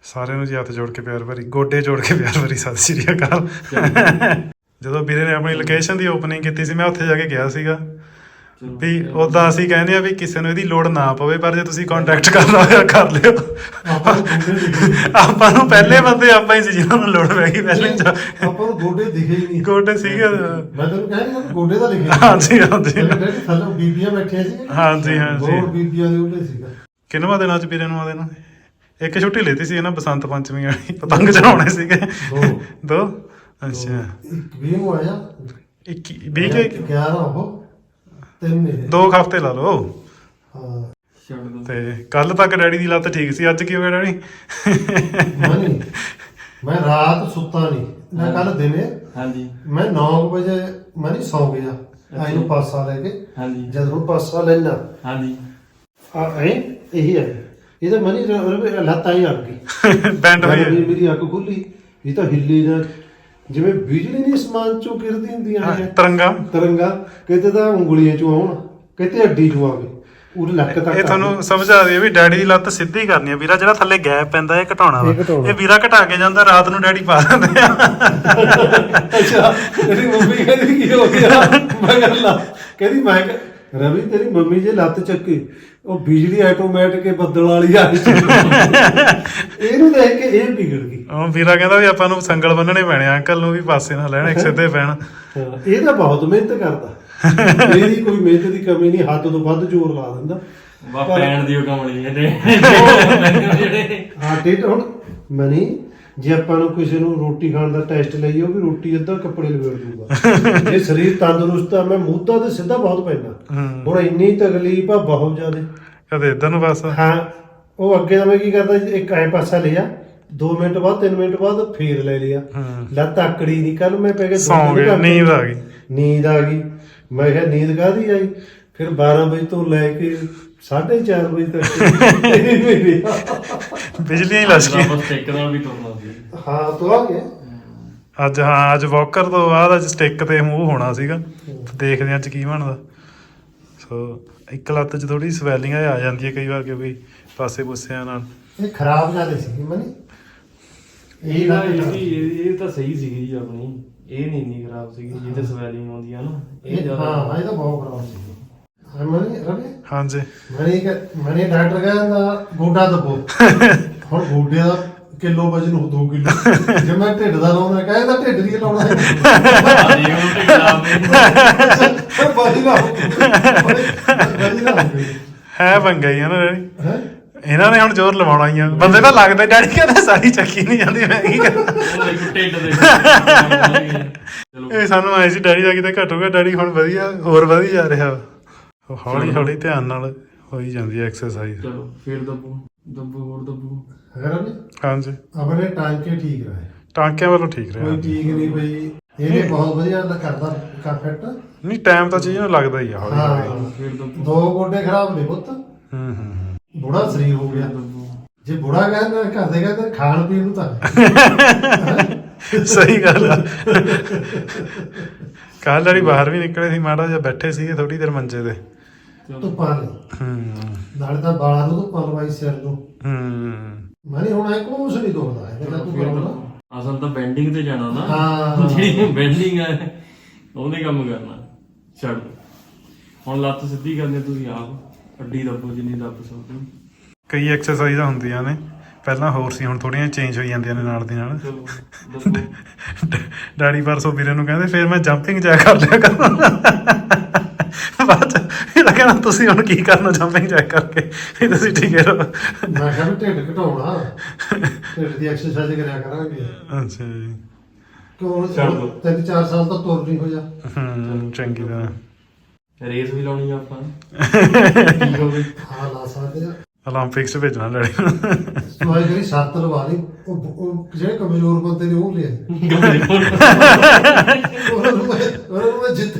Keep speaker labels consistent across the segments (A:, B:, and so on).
A: ਸਾਰਿਆਂ ਨੂੰ ਜੀ ਹੱਥ ਜੋੜ ਕੇ ਪਿਆਰ ਭਰੀ, ਗੋਡੇ ਜੋੜ ਕੇ ਪਿਆਰ ਭਰੀ ਸਤਿ ਸ਼੍ਰੀ ਅਕਾਲ। ਜਦੋਂ ਵੀਰੇ ਨੇ ਆਪਣੀ ਲੋਕੇਸ਼ਨ ਦੀ ਓਪਨਿੰਗ ਕੀਤੀ ਸੀ ਮੈਂ ਉੱਥੇ ਜਾ ਕੇ ਗਿਆ ਸੀਗਾ ਵੀ ਉੱਦਾਂ ਅਸੀਂ ਕਹਿੰਦੇ ਆ ਵੀ ਕਿਸੇ ਨੂੰ ਇਹਦੀ ਲੋੜ ਨਾ ਪਵੇ, ਪਰ ਜੇ ਤੁਸੀਂ ਕੰਟੈਕਟ ਕਰਨਾ ਹੋਇਆ ਕਰ ਲਿਓ। ਆਪਾਂ ਨੂੰ ਪਹਿਲੇ ਬੰਦੇ ਆਪਾਂ ਹੀ ਸੀ ਜਿਹਨਾਂ ਨੂੰ ਲੋੜ ਪੈ ਗਈ ਪਹਿਲੇ।
B: ਆਪਾਂ ਨੂੰ ਗੋਡੇ ਦਿਖੇ ਹੀ ਨਹੀਂ।
A: ਗੋਡੇ ਸੀਗੇ,
B: ਮੈਂ ਤੈਨੂੰ ਕਹਿ ਰਿਹਾ ਗੋਡੇ ਤਾਂ ਲਿਖੇ।
A: ਹਾਂਜੀ ਹਾਂਜੀ
B: ਥੱਲੇ ਬੀਬੀਆਂ ਬੈਠੀਆਂ ਸੀ।
A: ਹਾਂਜੀ ਹਾਂਜੀ
B: ਹੋਰ ਬੀਬੀਆਂ ਦੇ ਉਹਦੇ ਸੀਗਾ।
A: ਕਿੰਨਵਾਂ ਦਿਨ ਅੱਜ ਵੀਰੇ ਨੂੰ ਆਦੇ ਨੂੰ ਇੱਕ ਛੁੱਟੀ ਲੈਤੀ ਸੀ ਨਾ ਬਸੰਤ ਪੰਚਮੀ ਵਾਲੀ, ਪਤੰਗ ਚੜਾਉਣੇ ਸੀਗੇ ਦੋ। ਅੱਛਾ
B: 20 ਨੂੰ ਆਇਆ
A: 21 20 ਕੇ
B: 11 ਉਹ 3 ਮੇਰੇ
A: 2 ਹਫ਼ਤੇ ਲਾ ਲਓ।
B: ਹਾਂ
A: ਤੇ ਕੱਲ ਤੱਕ ਡੈਡੀ ਦੀ ਲੱਤ ਠੀਕ ਸੀ, ਅੱਜ ਕੀ ਹੋ ਗਿਆ ਡੈਡੀ?
B: ਮੈਂ ਰਾਤ ਸੁੱਤਾ ਨਹੀਂ ਮੈਂ ਕੱਲ ਦਿਨੇ।
C: ਹਾਂਜੀ
B: ਮੈਂ 9 ਵਜੇ ਮੈਂ ਨਹੀਂ ਸੌਂ ਗਿਆ ਆਈ ਨੂੰ ਪਾਸਾ ਲੈ ਕੇ।
C: ਹਾਂਜੀ
B: ਜਦੋਂ ਪਾਸਾ ਲੈਣਾ
C: ਹਾਂਜੀ
B: ਇਹੀ ਹੈ ਇਹਦਾ ਮਨੀ ਲੱਤ ਆਈ ਅੜ ਗਈ
A: ਬੈਂਡ ਹੋਈ
B: ਮੇਰੀ ਅੱਖ ਖੁੱਲੀ। ਇਹ ਤਾਂ ਹਿੱਲੀ ਨਾ ਜਿਵੇਂ ਬਿਜਲੀ ਨਹੀਂ ਸਮਾਨ ਚੋਂ ਗਿਰਦੀ ਹੁੰਦੀਆਂ ਨੇ ਤਰੰਗਾ ਕਿਤੇ ਤਾਂ ਉਂਗਲੀਆਂ ਚੋਂ ਆਉਣ ਕਿਤੇ ਹੱਡੀ ਚੋਂ ਆਵੇ ਉਹ ਲੱਕ ਤੱਕ।
A: ਇਹ ਤੁਹਾਨੂੰ ਸਮਝਾ ਦਈਏ ਵੀ ਡੈਡੀ ਦੀ ਲੱਤ ਸਿੱਧੀ ਕਰਨੀ ਆ ਵੀਰਾ, ਜਿਹੜਾ ਥੱਲੇ ਗੈਪ ਪੈਂਦਾ ਇਹ ਘਟਾਉਣਾ ਵਾ। ਇਹ ਵੀਰਾ ਘਟਾ ਕੇ ਜਾਂਦਾ, ਰਾਤ ਨੂੰ ਡੈਡੀ ਪਾ ਦਿੰਦੇ ਆ।
B: ਅੱਛਾ ਤੇਰੀ ਮੰਮੀ ਕਹਿੰਦੀ ਕੀ ਹੋ ਗਿਆ? ਮੈਂ ਕਹਿੰਦੀ ਮੈਂ ਰਵੀ ਤੇਰੀ ਮੰਮੀ ਜੇ ਲੱਤ ਚੱਕੀ ਉਹ ਬਿਜਲੀ ਆਟੋਮੈਟਿਕ ਬੱਦਲ ਵਾਲੀ ਆ ਗਈ। ਇਹਨੂੰ ਦੇਖ ਕੇ ਇਹ ਵਿਗੜ ਗਈ।
A: ਉਹ ਵੀਰਾ ਕਹਿੰਦਾ ਵੀ ਆਪਾਂ ਨੂੰ ਸੰਗਲ ਬੰਨਣੇ ਪੈਣੇ, ਅੰਕਲ ਨੂੰ ਵੀ ਪਾਸੇ ਨਾ ਲੈਣ, ਇੱਕ ਸਿੱਧੇ ਪੈਣ।
B: ਇਹ ਤਾਂ ਬਹੁਤ ਮਿਹਨਤ ਕਰਦਾ, ਇਹਦੀ ਕੋਈ ਮਿਹਨਤ ਦੀ ਕਮੀ ਨਹੀਂ, ਹੱਦ ਤੋਂ ਵੱਧ ਜ਼ੋਰ ਲਾ ਦਿੰਦਾ।
C: ਪੈਣ ਦੀ ਉਹ ਕਮਲੀ ਹੈ
B: ਹਾਂ ਟੇਟ ਹੁਣ ਮਨੀ ਜੇ ਆਪਾਂ ਨੂੰ ਕਿਸੇ ਨੂੰ ਰੋਟੀ ਖਾਣ ਦਾ ਟੈਸਟ ਲਈਏ ਉਹ ਵੀ ਰੋਟੀ ਅੱਧਾ ਕੱਪੜੇ ਲਵੇੜ ਦੂਗਾ। ਜੇ ਸਰੀਰ ਤੰਦਰੁਸਤ ਆ ਮੈਂ ਮੁੱਦਾ ਤੇ ਸਿੱਧਾ ਬਹੁਤ ਪੈਂਦਾ। ਹੁਣ ਇੰਨੀ ਤਕਲੀਫ ਆ ਬਹੁਤ ਜ਼ਿਆਦਾ।
A: ਕਦੇ ਇੱਧਰ ਨੂੰ ਬਸ
B: ਹਾਂ ਉਹ ਅੱਗੇ ਤਾਂ ਮੈਂ ਕੀ ਕਰਦਾ ਇੱਕ ਐ ਪਾਸਾ ਲਿਆ 2 ਮਿੰਟ ਬਾਅਦ 3 ਮਿੰਟ ਬਾਅਦ ਫੇਰ ਲੈ ਲਿਆ। ਲੱਤ ਆਕੜੀ ਨਹੀਂ। ਕੱਲ ਮੈਂ ਪੈ ਗਿਆ
A: ਨੀਂਦ ਆ ਗਈ।
B: ਮੈਂ ਕਿਹਾ ਨੀਂਦ ਕਾਹਦੀ ਆਈ? ਫਿਰ 12 ਵਜੇ ਤੋਂ ਲੈ ਕੇ 4:30 ਵਜੇ ਤੱਕ
A: ਬਿਜਲੀਆਂ ਹੀ ਲੱਜ ਗਈਆਂ।
C: ਸਟਿੱਕ ਨਾਲ ਵੀ ਤੁਰਨਾ ਸੀ।
B: ਹਾਂ ਤੂੰ ਆ ਗਿਆ
A: ਅੱਜ। ਹਾਂ ਅੱਜ ਵਾਕਰ ਤੋਂ ਬਾਅਦ ਅੱਜ ਸਟਿੱਕ ਤੇ ਮੂੰਹ ਹੋਣਾ ਸੀਗਾ, ਦੇਖਦੇ ਅੱਜ ਕੀ ਬਣਦਾ। ਸੋ ਇੱਕ ਲੱਤ 'ਚ ਥੋੜੀ ਸਵੈਲਿੰਗ ਆ ਜਾਂਦੀ ਹੈ ਕਈ ਵਾਰ, ਕਿਉਂਕਿ ਪਾਸੇ ਪੁੱਸਿਆਂ ਨਾਲ
B: ਇਹ ਖਰਾਬ ਜਾਂਦੇ ਸੀ ਮਨੀ।
C: ਇਹ ਤਾਂ ਸਹੀ ਸੀਗੀ ਜੀ ਆਪਣੀ, ਇਹ ਨਹੀਂ ਇੰਨੀ ਖਰਾਬ ਸੀਗੀ ਜਿਹਦੇ ਸਵੈਲਿੰਗ ਆਉਂਦੀ ਆ ਨਾ। ਇਹ ਜ਼ਿਆਦਾ
B: ਹਾਂ ਇਹ ਤਾਂ ਬਹੁਤ ਖਰਾਬ ਸੀ ਮਨੀ। ਰਵੀ
A: ਹਾਂਜੀ
B: ਮਨੀ ਡਾਕਟਰ ਕਹਿੰਦਾ ਗੋਡਾ ਦੱਬੋ। ਹੁਣ ਗੋਡੇ ਦਾ ਕਿਲੋ ਵਜਨ ਹੋ 2 ਕਿਲੋ। ਜੇ ਮੈਂ ਢਿੱਡ ਦਾ ਲਾਉਣਾ ਕਹਿੰਦਾ ਢਿੱਡ ਦੀ ਲਾਉਣਾ ਹੈ।
A: ਹੈ ਪੰਗਾ ਹੀ ਆ ਨਾ ਡੈਡੀ, ਇਹਨਾਂ ਨੇ ਹੁਣ ਜ਼ੋਰ ਲਵਾਉਣਾ ਹੀ ਆ। ਬੰਦੇ ਤਾਂ ਲੱਗਦਾ ਡੈਡੀ ਕਹਿੰਦਾ ਸਾਰੀ ਚੱਕੀ ਨਹੀਂ ਜਾਂਦੀ, ਮੈਂ ਕੀ ਕਰਾਂ। ਇਹ ਸਾਨੂੰ ਆਏ ਸੀ ਡੈਡੀ ਦਾ ਕਿਤੇ ਘਟੂਗਾ, ਡੈਡੀ ਹੁਣ ਵਧੀਆ ਹੋਰ ਵਧੀ ਜਾ ਰਿਹਾ ਵਾ। ਹੌਲੀ ਹੌਲੀ ਧਿਆਨ ਨਾਲ ਹੋਈ ਜਾਂਦੀ ਹੈ ਐਕਸਰਸਾਈਜ਼।
C: ਚਲੋ ਫਿਰ ਦੱਬੋ ਹੋਰ ਦੱਬੋ।
A: ਹਾਂਜੀ
B: ਆਪਣੇ ਟਾਂਕੇ ਠੀਕ ਰਹੇ,
A: ਟਾਂਕਿਆਂ ਵੱਲੋਂ ਠੀਕ ਰਿਹਾ।
B: ਕੋਈ ਠੀਕ ਨਹੀਂ ਬਈ ਇਹਨੇ ਬਹੁਤ ਵਧੀਆ ਕਰਦਾ ਫਿੱਟ।
A: ਨਹੀਂ ਟਾਈਮ ਤਾਂ ਚੀਜ਼ ਨੂੰ ਲੱਗਦਾ ਹੀ ਆ ਹੌਲੀ ਹੌਲੀ।
B: 2 ਗੋਡੇ ਖਰਾਬ ਨੇ ਪੁੱਤ। ਬੁੜਾ ਸਰੀਰ ਹੋ ਗਿਆ। ਜੇ ਬੁੜਾ ਕਹਿੰਦਾ ਘਰ ਦੇ ਕਹਿੰਦੇ ਖਾਣ ਪੀਣ ਨੂੰ ਤਾਂ
A: ਸਹੀ ਗੱਲ ਆ। ਕੱਲ ਵਾਲੀ ਬਾਹਰ ਵੀ ਨਿਕਲੇ ਸੀ, ਮਾੜਾ ਜਿਹਾ ਬੈਠੇ ਸੀਗੇ ਥੋੜੀ ਦੇਰ ਮੰਜੇ ਤੇ।
B: ਧੁੱਪਾਂ ਨੇ ਨਾਲੇ ਤਾਂ ਬਾਲਾਂ ਨੂੰ ਧੁੱਪਾਂ ਲਵਾਈ ਸਿਰ ਨੂੰ। ਮਾਨੀ ਹੁਣ ਇਹ ਕੁਛ ਨਹੀਂ ਦੁਖਦਾ ਹੈ।
C: ਅਸਲ ਤਾਂ ਬੈਂਡਿੰਗ ਤੇ ਜਾਣਾ ਨਾ।
B: ਹਾਂ
C: ਜਿਹੜੀ ਬੈਂਡਿੰਗ ਹੈ ਉਹਦੇ ਕੰਮ ਕਰਨਾ। ਛੱਡ ਹੁਣ ਲੱਤ ਸਿੱਧੀ ਕਰਨੀ ਤੁਸੀਂ ਆਪ, ਅੱਡੀ ਦੱਬੋ ਜਿੰਨੀ ਦੱਬ ਸਕਦੇ।
A: ਕਈ ਐਕਸਰਸਾਈਜ਼ਾਂ ਹੁੰਦੀਆਂ ਨੇ ਪਹਿਲਾਂ ਹੋਰ ਸੀ, ਹੁਣ ਥੋੜੀਆਂ ਚੇਂਜ ਹੋਈ ਜਾਂਦੀਆਂ ਨੇ ਨਾਲ ਦੀ ਨਾਲ। ਡੈਡੀ ਪਰਸੋਂ ਵੀਰੇ ਨੂੰ ਕਹਿੰਦੇ ਫਿਰ ਮੈਂ ਜੰਪਿੰਗ ਜੈਕ ਕਰ ਲਿਆ ਕਰਾਂ। ਬਾਅਦ ਚ ਇਹਦਾ ਕਹਿਣਾ ਤੁਸੀਂ ਹੁਣ ਕੀ ਕਰਨਾ ਜੰਪਿੰਗ ਜੈਕ ਕਰਕੇ, ਇਹ ਤੁਸੀਂ ਠੀਕ ਹੈ।
B: ਮੈਂ ਕਿਹਾ ਵੀ ਢਿੱਡ ਘਟਾਉਣਾ, ਢਿੱਡ ਦੀ ਐਕਸਰਸਾਈਜ਼ ਕਰਿਆ ਕਰਾਂਗੇ।
A: ਅੱਛਾ ਜੀ
B: ਕਿਉਂ 3-4 ਸਾਲ ਤਾਂ ਤੁਰ ਨਹੀਂ ਹੋਇਆ।
A: ਚੰਗੀ ਤਰ੍ਹਾਂ
C: ਰੇਸ ਵੀ ਲਾਉਣੀ ਆ ਆਪਾਂ।
B: ਹਾਂ ਲਾ ਸਕਦੇ ਆ।
A: ਓਲੰਪਿਕਸ 'ਚ ਭੇਜਣਾ ਡੈਡੀ ਨੂੰ।
B: ਤੂੰ ਆਈ ਜਿਹੜੀ ਸ਼ਰਤ ਲਵਾ ਲਈ, ਉਹ ਜਿਹੜੇ ਕਮਜ਼ੋਰ ਬੰਦੇ ਨੇ ਉਹ ਲਿਆ ਉਹ ਜਿੱਤ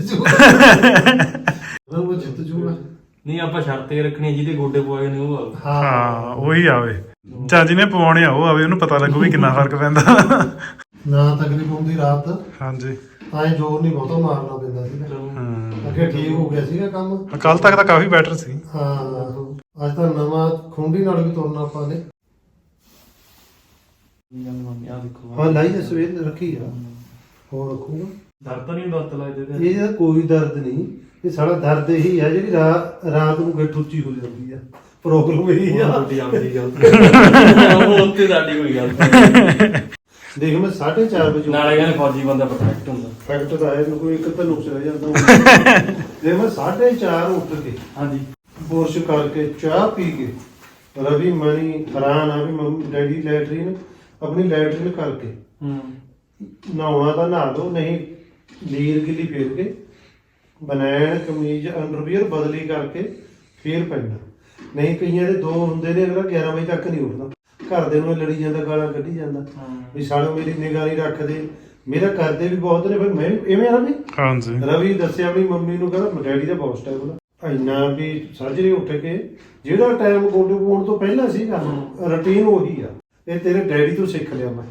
B: ਜੂਗਾ।
C: ਨਹੀਂ ਆਪਾਂ ਸ਼ਰਤ ਇਹ ਰੱਖਣੀ ਜਿਹਦੇ ਗੋਡੇ ਪਵਾਏ ਨੇ ਉਹ ਆਵੇ।
A: ਹਾਂ ਉਹੀ ਆਵੇ, ਜਾਂ ਜਿਹਨੇ ਪਵਾਉਣੇ ਆ ਉਹ ਆਵੇ, ਉਹਨੂੰ ਪਤਾ ਲੱਗੂ ਵੀ ਕਿੰਨਾ ਫਰਕ ਪੈਂਦਾ।
B: ਨਾ ਤਕਲੀਫ ਹੁੰਦੀ ਰਾਤ।
A: ਹਾਂਜੀ
B: ਤਾਂ ਜ਼ੋਰ ਨਹੀਂ ਬਹੁਤਾ ਮਾਰਨਾ ਪੈਂਦਾ ਸੀ। ਅੱਗੇ ਠੀਕ ਹੋ ਗਿਆ ਸੀਗਾ ਕੰਮ।
A: ਕੱਲ ਤੱਕ ਤਾਂ ਕਾਫੀ ਬੈਟਰ ਸੀ।
B: ਹਾਂ ਅੱਜ ਤਾਂ ਨਵਾਂ ਖੁੰਡੀ ਨਾਲ ਵੀ ਤੁਰਨਾ ਆਪਾਂ ਨੇ।
C: ਆ ਦੇਖੋ
B: ਹਾਂ ਲਾਈ ਤਾਂ ਸਵੇਰ ਰੱਖੀ ਆ, ਹੋਰ ਰੱਖੂਗਾ।
C: ਦਰਦ ਨਹੀਂ ਦਰਦ ਲੱਗਦੇ ਤੇ
B: ਇਹਦਾ ਕੋਈ ਦਰਦ ਨਹੀਂ, ਇਹ ਸਾਡਾ ਦਰਦ ਇਹੀ ਆ ਜਿਹੜੀ ਰਾਤ ਨੂੰ ਗਿੱਠ ਉੱਚੀ ਹੋ ਜਾਂਦੀ ਆ, ਪ੍ਰੋਬਲਮ ਇਹੀ ਆ।
C: ਤੁਹਾਡੀ ਆਪਦੀ ਗੱਲ ਉਹ ਉੱਤੇ ਸਾਡੀ ਕੋਈ ਗੱਲ ਨਹੀਂ।
B: ਦੇਖ ਮੈਂ 4:30 ਵਜੇ
C: ਨਾਲੇ ਕਹਿੰਦੇ ਫੌਜੀ ਬੰਦਾ ਪਰਫੈਕਟ ਹੁੰਦਾ।
B: ਫੈਕਟ ਤਾਂ ਹੈ, ਕੋਈ ਇੱਕ ਤਾਂ ਨੁਕਸ ਰਹਿ ਜਾਂਦਾ। ਦੇਖ ਮੈਂ 4:30 ਉੱਠ ਕੇ
C: ਹਾਂਜੀ
B: ਬੁਰਸ਼ ਕਰਕੇ ਚਾਹ ਪੀ ਕੇ ਰਵੀ ਮਨੀ ਹੈਰਾਨ ਆ ਵੀ ਮੰਮੀ ਡੈਡੀ ਲੈਟਰੀਨ ਆਪਣੀ ਲੈਟਰੀਨ ਕਰਕੇ ਨਹਾਉਣਾ ਤਾਂ ਨਹਾ ਲਓ, ਨਹੀਂ ਲੀਰ ਗਿੱਲੀ ਫੇਰ ਕੇ ਬਨੈਣ ਕਮੀਜ਼ ਅੰਡਰਵੀਅਰ ਬਦਲੀ ਕਰਕੇ ਫੇਰ ਪੈਂਦਾ। ਨਹੀਂ ਕਈਆਂ ਦੇ ਦੋ ਹੁੰਦੇ ਨੇ, ਅਗਲਾ 11 ਵਜੇ ਤੱਕ ਨਹੀਂ ਉੱਠਦਾ, ਘਰਦੇ ਨੂੰ ਲੜੀ ਜਾਂਦਾ, ਗਾਲਾਂ ਕੱਢੀ ਜਾਂਦਾ ਵੀ ਸਾਲੇ ਮੇਰੀ ਨਿਗਾਹ ਨਹੀਂ ਰੱਖਦੇ। ਮੇਰਾ ਕਰਦੇ ਵੀ ਬਹੁਤ ਨੇ, ਫਿਰ ਮੈਂ ਇਵੇਂ ਆ ਵੀ
A: ਹਾਂਜੀ
B: ਰਵੀ ਦੱਸਿਆ ਆਪਣੀ ਮੰਮੀ ਨੂੰ, ਕਹਿੰਦਾ ਡੈਡੀ ਦਾ ਬਹੁਤ ਟਾਈਮ ਉਹਦਾ ਇੰਨਾ ਵੀ ਸਾਜਰੇ ਉੱਠ ਕੇ ਜਿਹੜਾ ਟਾਈਮ ਗੋਡੂ ਪਾਉਣ ਤੋਂ ਪਹਿਲਾਂ ਸੀਗਾ ਰੁਟੀਨ ਉਹੀ ਆ। ਇਹ ਤੇਰੇ ਡੈਡੀ ਤੋਂ ਸਿੱਖ ਲਿਆ ਮੈਂ।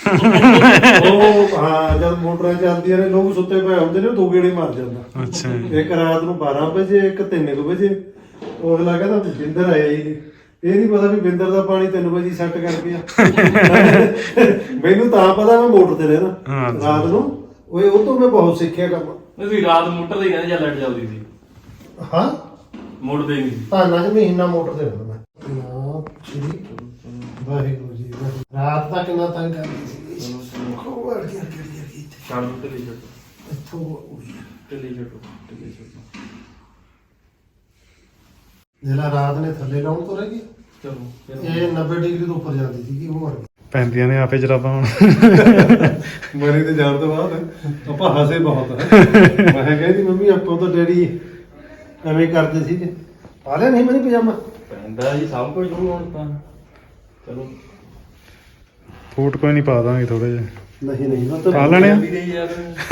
B: ਉਹ ਹਾਂ ਜਦ ਮੋਟਰਾਂ ਚੱਲਦੀਆਂ ਨੇ ਲੋਕ ਸੁੱਤੇ ਪਏ ਹੁੰਦੇ ਨੇ, ਉਹ ਦੋ ਗੇੜੇ ਮਾਰ ਜਾਂਦਾ।
A: ਅੱਛਾ
B: ਇੱਕ ਰਾਤ ਨੂੰ 12 ਵਜੇ, ਇੱਕ 3 ਵਜੇ। ਉਹ ਅਗਲਾ ਕਹਿੰਦਾ ਬਿੰਦਰ ਆਇਆ ਹੀ ਨਹੀਂ, ਇਹ ਨਹੀਂ ਪਤਾ ਵੀ ਬਿੰਦਰ ਦਾ ਪਾਣੀ 3 ਵਜੇ ਸੈੱਟ ਕਰ ਗਿਆ। ਮੈਨੂੰ ਤਾਂ ਪਤਾ ਮੈਂ ਮੋਟਰ ਤੇ ਰਹਿਣਾ ਰਾਤ ਨੂੰ, ਉਹ ਤੋਂ ਮੈਂ ਬਹੁਤ ਸਿੱਖਿਆ ਕੰਮ।
C: ਤੁਸੀਂ ਰਾਤ ਮੋਟਰ ਦੇ ਕਹਿੰਦੇ ਜਾਂ ਲਾਈਟ ਚੱਲਦੀ ਸੀ?
B: ਹਾਂ
C: ਮੋੜਦੇ ਨਹੀਂ
B: ਧਾਨਾਂ 'ਚ ਮਹੀਨਾ ਮੋਟਰ ਤੇ ਰਹਿਣਾ ਮੈਂ। ਵਾਹਿਗੁਰੂ ਜੀ ਰਾਤ ਤੱਕ ਨਾ ਤੰਗ ਕਰਦੀ ਸੀ।
C: ਛੱਡ ਦੋ ਢਿੱਲੀ ਛੱਡੋ,
B: ਇੱਥੋਂ
C: ਢਿੱਲੀ ਛੱਡੋ, ਢਿੱਲੀ ਛੱਡੋ।
B: ਜਿਹੜਾ ਰਾਤ ਨੇ ਥੱਲੇ ਲਾਉਣ ਤੋਂ ਰਹਿ ਗਈ,
C: ਚਲੋ
B: ਇਹ 90 ਡਿਗਰੀ ਤੋਂ ਉੱਪਰ ਜਾਂਦੀ ਸੀਗੀ, ਉਹ ਮਰ ਗਈ।
A: ਪੈਂਦੀਆਂ ਨੇ ਆਪੇ ਜਰਾਬਾਂ ਹੁਣ।
B: ਮਰੀ ਤੇ ਜਾਣ ਤੋਂ ਬਾਅਦ ਆਪਾਂ ਹੱਸੇ ਬਹੁਤ ਹੈ। ਮੈਂ ਕਹਿੰਦੀ ਮੰਮੀ ਆਪਾਂ ਤਾਂ ਡੈਡੀ ਐਵੇਂ ਕਰਦੇ ਸੀਗੇ। ਪਾ ਲਿਆ ਨਹੀਂ ਮੈਨੂੰ ਪਜਾਮਾ?
C: ਪੈਂਦਾ ਜੀ ਸਭ ਕੁਝ ਨੂੰ ਹੁਣ ਤਾਂ। ਚਲੋ
A: ਫੂਟ ਕੋਈ ਨਹੀਂ ਪਾ ਦਾਂਗੇ ਥੋੜੇ ਜਿਹੇ।
B: ਨਹੀਂ ਨਹੀਂ ਮੈਂ ਤਾਂ
A: ਪਾ ਲੈਣੇ ਆ।
C: ਵੀ ਗਈ ਯਾਰ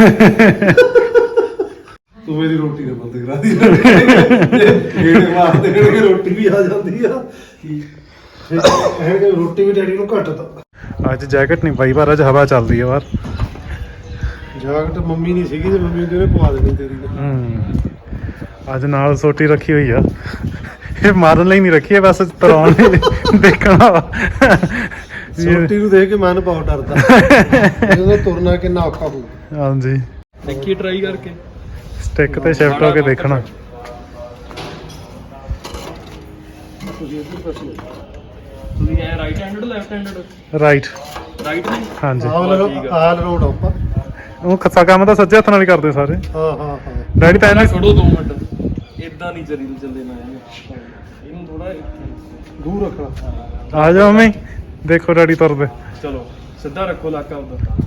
B: ਤੂੰ ਮੇਰੀ ਰੋਟੀ ਦੇ ਬੰਦ ਕਰਾ ਦੀ। ਗੇੜੇ ਮਾਰਦੇ ਗੇੜੇ ਰੋਟੀ ਵੀ ਆ ਜਾਂਦੀ ਆ। ਇਹ ਰੋਟੀ ਵੀ ਡੈਡੀ ਨੂੰ ਘੱਟ ਤਾ।
A: ਅੱਜ ਜੈਕਟ ਨਹੀਂ ਪਾਈ, ਪਰ ਅੱਜ ਹਵਾ ਚੱਲਦੀ ਹੈ ਬਾਹਰ।
B: ਜਾਕਟ ਮੰਮੀ ਨਹੀਂ ਸੀਗੀ ਤੇ ਮੰਮੀ ਕਹਿੰਦੇ ਪਵਾ ਦੇਣੀ ਤੇਰੀ।
A: ਅੱਜ ਨਾਲ ਸੋਟੀ ਰੱਖੀ ਹੋਈ ਆ, ਇਹ ਮਾਰਨ ਲਈ ਨਹੀਂ ਰੱਖੀ ਹੈ, ਬਸ ਤਰਾਉਣ ਲਈ ਦੇਖਣਾ ਵਾ।
B: ਸੋਟੀ ਨੂੰ ਦੇਖ ਕੇ ਮਨ ਬਹੁਤ ਡਰਦਾ, ਜਦੋਂ ਤੁਰਨਾ ਕਿੰਨਾ ਔਖਾ ਹੋਊ।
A: ਹਾਂਜੀ
C: ਦੇਖੀ ਟਰਾਈ ਕਰਕੇ
A: ਸਟਿਕ ਤੇ ਸ਼ਿਫਟ ਹੋ ਕੇ ਦੇਖਣਾ।
C: ਤੁਸੀਂ ਐ right handed left handed?
A: Right
C: right ਨਹੀਂ
A: ਹਾਂਜੀ।
B: ਆਲ ਰੋਡ ਆਪਾਂ
A: ਉਹ ਖੱਸਾ ਕੰਮ ਤਾਂ ਸੱਜੇ ਹੱਥ ਨਾਲ ਹੀ ਕਰਦੇ ਸਾਰੇ।
B: ਹਾਂ ਹਾਂ ਹਾਂ।
A: ਡੈਡੀ ਤਾਂ ਇਹਨੇ
C: ਛੱਡੋ 2 ਮਿੰਟ, ਇਦਾਂ ਨਹੀਂ ਜਰੀ ਨੂੰ ਚੱਲੇ ਨਾ ਇਹਨੂੰ ਥੋੜਾ
B: ਦੂਰ ਰੱਖਣਾ।
A: ਆ ਜਾਓ ਮੰਮੀ, ਦੇਖੋ ਡੈਡੀ ਤੁਰਦੇ।
C: ਚਲੋ ਸਿੱਧਾ ਰੱਖੋ ਲਾਕਾ ਉਧਰ,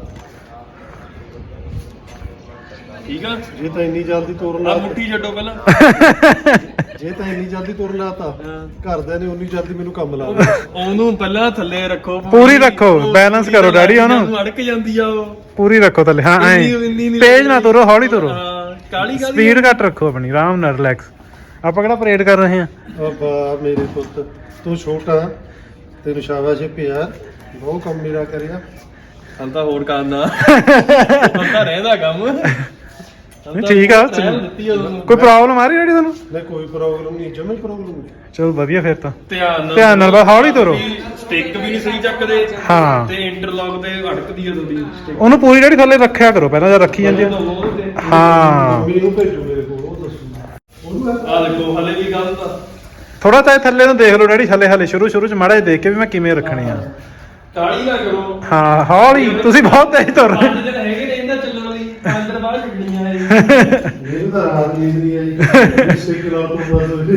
C: ਠੀਕ ਆ।
B: ਜੇ ਤਾਂ ਇੰਨੀ ਜਲਦੀ ਤੁਰਨ
C: ਆ
B: ਲਾ
C: ਮੁੱਠੀ ਛੱਡੋ ਪਹਿਲਾਂ।
B: ਜੇ ਤਾਂ ਇੰਨੀ ਜਲਦੀ ਤੁਰਨ ਲਾਤਾ ਘਰਦਿਆਂ ਨੇ ਉਨੀ ਜਲਦੀ ਮੈਨੂੰ ਕੰਮ ਲਾ
C: ਉਹਨੂੰ ਪਹਿਲਾਂ ਥੱਲੇ ਰੱਖੋ,
A: ਪੂਰੀ ਰੱਖੋ, balance ਕਰੋ ਡੈਡੀ ਉਹਨੂੰ।
C: ਅੜਕ ਜਾਂਦੀ ਆ ਉਹ।
A: ਪੂਰੀ ਰੱਖੋ ਥੱਲੇ। ਹਾਂ ਐ
C: ਇੰਨੀ ਨੀ
A: ਤੇਜ਼ ਨਾ ਤੁਰੋ, ਹੌਲੀ ਤੁਰੋ,
C: ਹਾਂ ਕਾਲੀ ਕਾਲੀ
A: ਸਪੀਡ ਘੱਟ ਰੱਖੋ ਆਪਣੀ, ਆਰਾਮ ਨਾਲ ਰਿਲੈਕਸ। ਆਪਾਂ ਕਿਹੜਾ ਪਰੇਡ ਕਰ ਰਹੇ ਹਾਂ।
B: ਵਾਹ ਮੇਰੇ ਪੁੱਤ, ਤੂੰ ਛੋਟਾ, ਤੈਨੂੰ ਸ਼ਾਬਾਸ਼ ਪਿਆਰ, ਬਹੁਤ ਕੰਮ ਮੇਰਾ ਕਰਿਆ।
C: ਹਲ ਤਾਂ ਹੋਰ ਕਰਨਾ, ਹਲ ਤਾਂ ਰਹਿੰਦਾ ਕੰਮ।
A: ਨਹੀਂ ਠੀਕ ਆ, ਕੋਈ ਪ੍ਰੋਬਲਮ ਆ ਰਹੀ ਡੈਡੀ ਤੁਹਾਨੂੰ?
B: ਨਹੀਂ ਕੋਈ ਪ੍ਰੋਬਲਮ ਨਹੀਂ, ਜਮੇ ਪ੍ਰੋਬਲਮ ਨਹੀਂ।
A: ਚਲੋ ਵਧੀਆ ਫਿਰ ਤਾਂ।
C: ਧਿਆਨ
A: ਨਾਲ ਬਸ ਹੌਲੀ ਤੁਰੋ।
C: ਸਟਿਕ ਵੀ ਨਹੀਂ ਸਹੀ ਚੱਕਦੇ
A: ਹਾਂ।
C: ਤੇ ਇੰਟਰਲੌਕ ਤੇ ਅੜਕਦੀ ਆ ਤੁਹਾਡੀ ਸਟਿਕ।
A: ਉਹਨੂੰ ਪੂਰੀ ਡੈਡੀ ਥੱਲੇ ਰੱਖਿਆ ਕਰੋ ਪਹਿਲਾਂ, ਜਦ ਰੱਖੀ ਜਾਂਦੀ ਆ। ਹਾਂ
B: ਮੰਮੀ ਨੂੰ ਭੇਜੋ ਮੇਰੇ ਕੋਲ, ਉਹ ਦੱਸੂ।
C: ਆ ਦੇਖੋ ਹਲੇ ਵੀ ਗੱਲ ਤਾਂ
A: ਥੋੜਾ ਤਾਂ ਥੱਲੇ ਨੂੰ ਦੇਖ ਲਓ ਡੈਡੀ, ਹਲੇ ਸ਼ੁਰੂ ਚ ਮਾੜਾ ਜਿਹਾ ਦੇਖ ਕੇ ਵੀ ਮੈਂ ਕਿਵੇਂ ਰੱਖਣੀ ਆ।
C: ਕਾਲੀ ਨਾ ਕਰੋ।
A: ਹਾਂ ਹੌਲੀ, ਤੁਸੀਂ ਬਹੁਤ ਤੇਜ਼ ਤੁਰ ਰਹੇ।
C: 5 ਦਿਨ ਹੈਗੇ ਨੇ ਇਹਨਾਂ ਚੱਲਣ ਲਈ, 5 ਦਿਨ ਬਾਅਦ ਛੱਡਣੀਆਂ ਇਹ।
B: ਮੈਨੂੰ ਤਾਂ ਰਾਤ ਨੀਂਦ ਨਹੀਂ ਆਈ। ਸਿੱਕ ਲਾ ਤੋਂ ਬਾਅਦ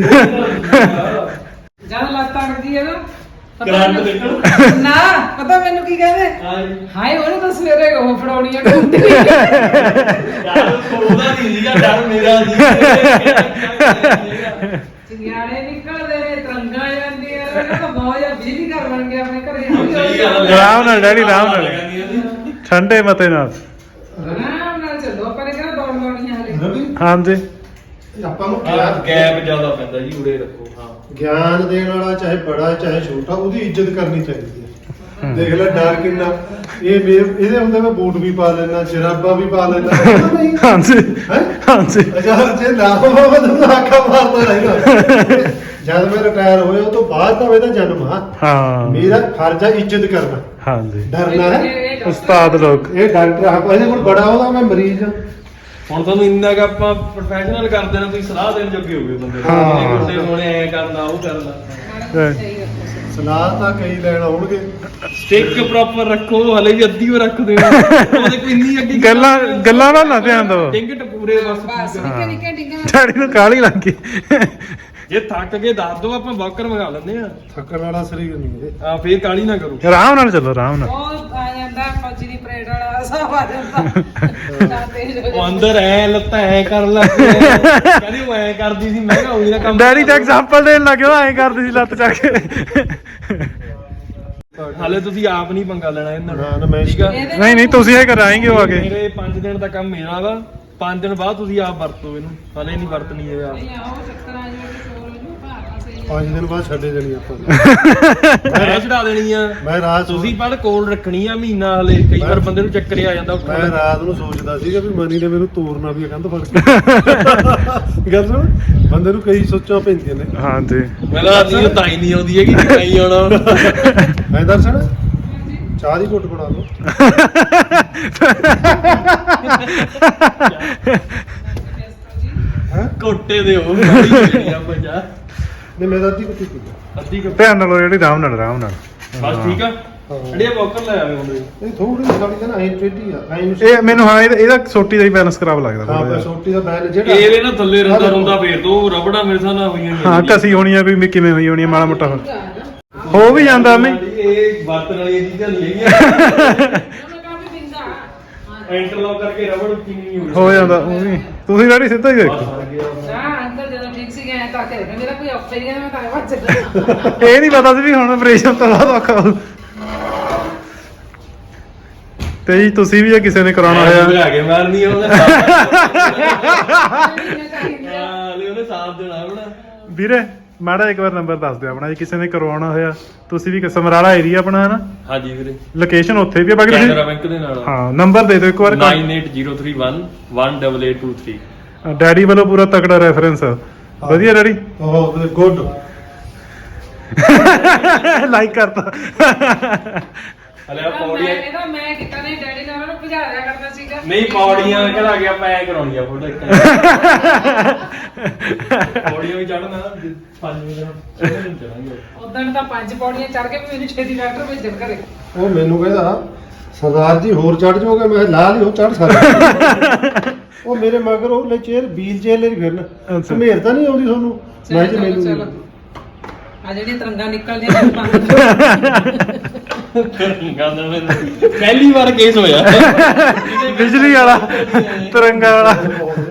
D: ਜਦ ਲੱਤ ਅੜਦੀ ਹੈ ਨਾ,
C: ਕਰੰਟ ਦੇਖੋ
D: ਨਾ ਪਤਾ ਮੈਨੂੰ ਕੀ ਕਹਿੰਦੇ, ਹਾਏ ਉਹਨੂੰ ਤਾਂ ਸਵੇਰੇ ਉਹ ਫੜਾਉਣੀ ਆ ਟੁੱਟੀ।
C: ਯਾਰ ਉਹਦਾ ਨਹੀਂ ਸੀਗਾ ਡਰ, ਮੇਰਾ ਸੀ।
D: ਚਿੰਗਾੜੇ ਨਿਕਲਦੇ ਨੇ, ਤਰੰਗਾਂ ਜਾਂਦੀਆਂ ਨੇ, ਇਹਨਾਂ ਦਾ ਬਹੁਤ ਜਿਹਾ ਬਿਜਲੀ ਘਰ ਬਣ ਗਿਆ ਆਪਣੇ ਘਰੇ।
C: ਸਹੀ ਗੱਲ ਹੈ।
A: ਆਰਾਮ ਨਾਲ ਡੈਡੀ, ਆਰਾਮ ਨਾਲ, ਠੰਡੇ ਮਤੇ ਨਾਲ।
D: ਆਰਾਮ ਨਾਲ ਚੱਲੋ, ਆਪਾਂ ਨੇ ਕਿਹੜਾ ਦੌੜ ਲਾਉਣੀ ਆ ਹਲੇ।
B: ਰਵੀ
A: ਹਾਂਜੀ
B: ਆਪਾਂ ਨੂੰ
C: ਗੈਪ ਜ਼ਿਆਦਾ ਪੈਂਦਾ ਜੀ, ਉਰੇ ਰੱਖੋ। ਹਾਂ
B: ਗਿਆਨ ਦੇਣ ਵਾਲਾ ਚਾਹੇ ਬੜਾ ਚਾਹੇ ਛੋਟਾ, ਉਹਦੀ ਇੱਜ਼ਤ ਕਰਨੀ ਚਾਹੀਦੀ ਹੈ। ਦੇਖ ਲੈ ਡਰ ਕਿੰਨਾ। ਇਹ ਇਹਦੇ ਹੁੰਦੇ ਮੈਂ ਬੂਟ ਵੀ ਪਾ ਲੈਣਾ, ਜਰਾਬਾਂ ਵੀ ਪਾ ਲੈਣਾ।
A: ਹਾਂਜੀ
B: ਹੈ
A: ਹਾਂਜੀ।
B: ਅਜਾ ਜੇ ਨਾ ਹੋਵੇ ਤਾਂ ਆਖਾ ਮਾਰਦਾ ਰਹੇਗਾ। ਜਦ ਮੈਂ ਰਿਟਾਇਰ ਹੋਇਆ ਉਹ ਤੋਂ ਬਾਅਦ ਤਾਂ ਇਹਦਾ ਜਨਮ ਆ
A: ਹਾਂ
B: ਮੇਰਾ ਫਰਜ਼ ਆ ਇੱਜ਼ਤ ਕਰਨਾ
A: ਹਾਂਜੀ
B: ਡਰਨਾ ਹੈ
A: ਉਸਤਾਦ ਲੋਕ
B: ਇਹ ਡਾਕਟਰ ਆ ਇਹਦੇ ਕੋਲ ਬੜਾ ਉਹਦਾ ਮੈਂ ਮਰੀਜ਼ ਆ
C: ਹੁਣ ਤੁਹਾਨੂੰ ਇੰਨਾ ਕਿ ਆਪਾਂ ਪ੍ਰੋਫੈਸ਼ਨਲ ਕਰ ਦੇਣਾ ਤੁਸੀਂ ਸਲਾਹ ਦੇਣ ਜੋਗੇ ਹੋਗੇ ਬੰਦੇ ਨੂੰ
A: ਹਾਂ।
C: ਇਹ ਗੁੱਡੇ ਹੋਣੇ ਐ ਕਰਨਾ ਉਹ ਕਰਨਾ
B: ਸਲਾਹ ਤਾਂ ਕਈ ਲੈਣ ਆਉਣਗੇ
C: ਸਟਿਕ ਪ੍ਰੋਪਰ ਰੱਖੋ ਹਲੇ ਵੀ ਅੱਧੀ ਉਹ ਰੱਖ ਦੇਣਾ ਉਹਦੇ ਕੋਈ ਇੰਨੀ ਅੱਗੇ
A: ਗੱਲਾਂ ਨਾਲ ਨਾ ਧਿਆਨ ਦਿਓ
C: ਟਿੰਗਟ ਪੂਰੇ ਬਸ
D: ਬਸ ਨਿੱਕੇ ਨਿੱਕੇ ਡਿੰਗੇ
A: ਡੈਡੀ ਨੂੰ ਕਾਹਲੀ ਲੱਗ ਗਈ
C: ਜੇ ਥੱਕ ਕੇ ਦੱਸ ਦੋ ਆਪਾਂ ਵਾਕਰ ਮੰਗਾ ਲੈਂਦੇ ਆ
B: ਥੱਕਣ ਵਾਲਾ ਸਰੀਰ ਨਹੀਂ ਇਹ
C: ਆ ਫੇਰ ਕਾਲੀ ਨਾ ਕਰੋ
A: ਆਰਾਮ ਨਾਲ ਚੱਲੋ ਆਰਾਮ ਨਾਲ
D: ਉਹ ਆ ਜਾਂਦਾ ਫੌਜੀ ਦੀ ਪਰੇਡ ਵਾਲਾ ਸਭ ਆ ਜਾਂਦਾ ਤਾਂ ਤੇਜ਼ ਹੋ
C: ਉਹ
D: ਜਾਂਦਾ
C: ਅੰਦਰ ਐ ਲੱਤਾਂ ਐ ਕਰਨ ਲੱਗ ਪਏ ਕਹਿੰਦੀ ਉਹ ਐ ਕਰਦੀ ਸੀ ਮੈਂ ਕਿਹਾ ਉਹੀ ਨਾ ਕੰਮ
A: ਡੈਡੀ ਤਾਂ ਐਗਜ਼ਾਮਪਲ ਦੇਣ ਲੱਗਿਓ ਐਂ ਕਰਦੀ ਸੀ ਲੱਤ ਚੱਕ ਕੇ
C: ਹਾਲੇ ਤੁਸੀਂ ਆਪ ਨਹੀਂ ਪੰਗਾ ਲੈਣਾ ਇਹਨਾਂ
B: ਨਾ, ਨਾ,
C: ਨਾਲ
B: ਮੈਂ
C: ਠੀਕ ਆ
A: ਨਹੀਂ ਨਹੀਂ ਤੁਸੀਂ ਇਹ ਕਰਾਏਂਗੇ ਉਹ ਆਗੇ
C: ਮੇਰੇ 5 ਦਿਨ ਦਾ ਕੰਮ ਮੇਰਾ ਵਾ 5 ਦਿਨ ਬਾਅਦ ਤੁਸੀਂ ਆਪ ਵਰਤੋ ਇਹਨੂੰ ਹਾਲੇ ਨਹੀਂ ਵਰਤਣੀ ਇਹ ਆਪ
D: ਨਹੀਂ ਆਓ ਚੱਕਰ ਆ ਜਾਵੇ ਚੋਰ ਹੋ ਜੂ ਭਾਗਾ ਸਹੀ
B: 5 ਦਿਨ ਬਾਅਦ ਛੱਡੇ ਦੇਣੀ ਆਪਾਂ
C: ਮੈਂ ਚੜਾ ਦੇਣੀ ਆ
B: ਮੈਂ ਰਾਤ
C: ਤੁਸੀਂ ਪਰ ਕੋਲ ਰੱਖਣੀ ਆ ਮਹੀਨਾ ਹਲੇ ਕਈ ਵਾਰ ਬੰਦੇ ਨੂੰ ਚੱਕਰ ਆ ਜਾਂਦਾ
B: ਮੈਂ
C: ਉੱਠਣ
B: ਰਾਤ ਨੂੰ ਸੋਚਦਾ ਸੀਗਾ ਵੀ ਮਨੀ ਨੇ ਮੈਨੂੰ ਤੋਰਨਾ ਵੀ ਆ ਕੰਧ ਫੜ ਕੇ ਗੱਲ ਸੁਣ ਬੰਦੇ ਨੂੰ ਕਈ ਸੋਚਾਂ ਪੈਂਦੀਆਂ ਨੇ
A: ਹਾਂਜੀ
C: ਮੇਰਾ ਨਹੀਂ ਤਾਂ ਹੀ ਨਹੀਂ ਆਉਂਦੀ ਹੈਗੀ ਨਹੀਂ ਆਉਣਾ
B: ਮੈਂ ਦਰਸ਼ਨ ਚਾਹ ਦੀ ਘੁੱਟ ਬਣਾ ਲਓ ਹੈ
C: ਕੋਟੇ ਦੇ ਉਹ ਗਾੜੀ ਜਿਹੜੀ ਆ ਪੰਜਾ
B: ਨਹੀਂ ਮੈਂ ਤਾਂ ਅੱਧੀ ਕੁੱਟੀ ਪੀਂਦਾ
C: ਅੱਧੀ ਕੁ
A: ਧਿਆਨ ਨਾਲ ਜਿਹੜੀ ਆਰਾਮ ਨਾਲ
C: ਬਸ ਠੀਕ ਆ ਅੜੀਆ ਬੋਕਰ ਲੈ ਆਵੇ ਹੁੰਦੇ
B: ਇਹ ਥੋੜੀ ਜਿਹੀ ਗਾੜੀ ਨਾ ਐਂ ਟੇਢੀ ਆ ਐਂ ਨੂੰ
A: ਇਹ ਮੈਨੂੰ ਹਾਂ ਇਹਦਾ ਸੋਟੀ ਦਾ ਹੀ ਬੈਲੈਂਸ ਖਰਾਬ ਲੱਗਦਾ
B: ਹਾਂ
A: ਥੋੜ੍ਹਾ
B: ਪਰ
A: ਜਿਹਾ।
B: ਸੋਟੀ ਦਾ ਬੈਲ ਜਿਹੜਾ
C: ਇਹਦੇ ਨਾ ਥੱਲੇ ਰੰਦਾ ਰੁੰਦਾ ਫੇਰ ਦੋ ਰਬੜਾ ਮੇਰੇ ਸਾਹ ਨਾਲ ਹੋਈਆਂ
A: ਹਾਂ ਕਸੀ ਹੋਣੀ ਆ ਵੀ ਕਿਵੇਂ ਹੋਈ ਹੋਣੀ ਆ ਮਾੜਾ ਮੋਟਾ ਹੋ ਵੀ ਜਾਂਦਾ ਮੈਂ
C: ਇਹ ਵਰਤਣ ਵਾਲੀਆਂ ਚੀਜ਼ਾਂ ਨਹੀਂ ਹੈਗੀਆਂ
D: ਉਹਨੇ ਕਾਫੀ ਬਿੰਦਾ ਹਾਂ
C: ਇੰਟਰਲੌਕ ਕਰਕੇ ਰਬੜ ਉੱਚੀ ਨਹੀਂ ਹੋਈ
A: ਹੋ ਜਾਂਦਾ ਉਹ ਵੀ ਤੁਸੀਂ ਡੈਡੀ ਸਿੱਧਾ ਹੀ ਦੇਖੋ
C: ਸਰ ਗਿਆ
D: ਨਾ ਅੰਕਲ ਜਦੋਂ ਠੀਕ ਸੀ ਗਏ ਤਾਂ ਕਿ ਮੇਰਾ ਕੋਈ ਔਖਾ ਹੀ ਨਹੀਂ ਮੈਂ ਤਾਂ ਵੱਜ ਚੱਲਦਾ
A: ਇਹ ਨਹੀਂ ਪਤਾ ਸੀ ਵੀ ਹੁਣ ਆਪਰੇਸ਼ਨ ਤੋਂ ਬਾਅਦ ਔਖਾ ਹੋਊ ਤੇ ਜੀ ਤੁਸੀਂ ਵੀ ਜੇ ਕਿਸੇ ਨੇ ਕਰਾਉਣਾ ਹੋਇਆ
C: ਲਿਆ ਕੇ ਮਾਰਨੀ ਉਹਨੇ ਹਾਂ ਲੈ ਉਹਨੇ ਸਾਥ ਦੇਣਾ ਆਪਣਾ
A: ਵੀਰੇ ਮਾੜਾ ਇੱਕ ਵਾਰ ਨੰਬਰ ਦੱਸ ਦਿਓ ਆਪਣਾ ਜੇ ਕਿਸੇ ਨੇ ਕਰਵਾਉਣਾ ਹੋਇਆ ਤੁਸੀਂ ਵੀ ਸਮਰਾਲਾ ਏਰੀਆ ਆਪਣਾ ਹੈ ਨਾ
C: ਹਾਂਜੀ ਵੀਰੇ
A: ਲੋਕੇਸ਼ਨ ਉੱਥੇ ਵੀ ਆ ਬਾਕੀ
C: ਕੈਨਰਾ
A: ਤੁਸੀਂ
C: ਬੈਂਕ ਦੇ ਨਾਲ
A: ਹਾਂ ਨੰਬਰ ਦੇ ਦਿਓ ਇੱਕ ਵਾਰ
C: 98031 18823
A: ਡੈਡੀ ਵੱਲੋਂ ਪੂਰਾ ਤਕੜਾ ਰੈਫਰੈਂਸ ਵਧੀਆ ਡੈਡੀ
B: ਉਹ ਗੁੱਡ
A: ਲਾਈਕ ਕਰਤਾ
C: ਹਲੇ ਆ ਪੌੜੀਆਂ
D: ਇਹਦਾ ਮੈਂ ਕੀਤਾ ਨਹੀਂ ਡੈਡੀ ਨੇ ਉਹਨੂੰ ਭਜਾਇਆ ਕਰਦਾ ਸੀਗਾ
C: ਨਹੀਂ ਪੌੜੀਆਂ ਕਿਹੜਾ ਗਿਆ ਆਪਾਂ ਐ ਕਰਾਉਣੀਆਂ ਫੋਟੋ ਇੱਕ ਪੌੜੀਆਂ ਵੀ ਚੜਨਾ 5 ਮਿੰਟ ਚੜਾਂਗੇ
D: ਉਦੋਂ ਤਾਂ 5 ਪੌੜੀਆਂ ਚੜ ਕੇ ਵੀ ਮੈਨੂੰ ਛੇਤੀ ਡਾਕਟਰ ਭੇਜਣ ਘਰੇ
B: ਉਹ ਮੈਨੂੰ ਕਹਿੰਦਾ ਸਰਦਾਰ ਜੀ ਹੋਰ ਚੜ ਜਾਓਗੇ ਮੈਂ ਲਾ ਲਈ ਉਹ ਚੜ ਸਕਦਾ ਉਹ ਮੇਰੇ ਮਗਰ ਉਹ ਲੈ ਚੇਅਰ ਵੀਲ ਚੇਅਰ ਲੈ ਫਿਰਨ
A: ਅੱਛਾ।
B: ਸਮੇਰ ਤਾਂ ਨਹੀਂ ਆਉਂਦੀ ਤੁਹਾਨੂੰ ਮੈਂ ਜੀ ਮੈਨੂੰ
D: ਆ ਜਿਹੜੀਆਂ ਤਰੰਗਾਂ ਨਿਕਲਦੀਆਂ ਨੇ ਬੰਦ
C: ਪਹਿਲੀ ਵਾਰ ਕੇਸ ਹੋਇਆ
A: ਬਿਜਲੀ ਵਾਲਾ ਤਿਰੰਗਾ ਵਾਲਾ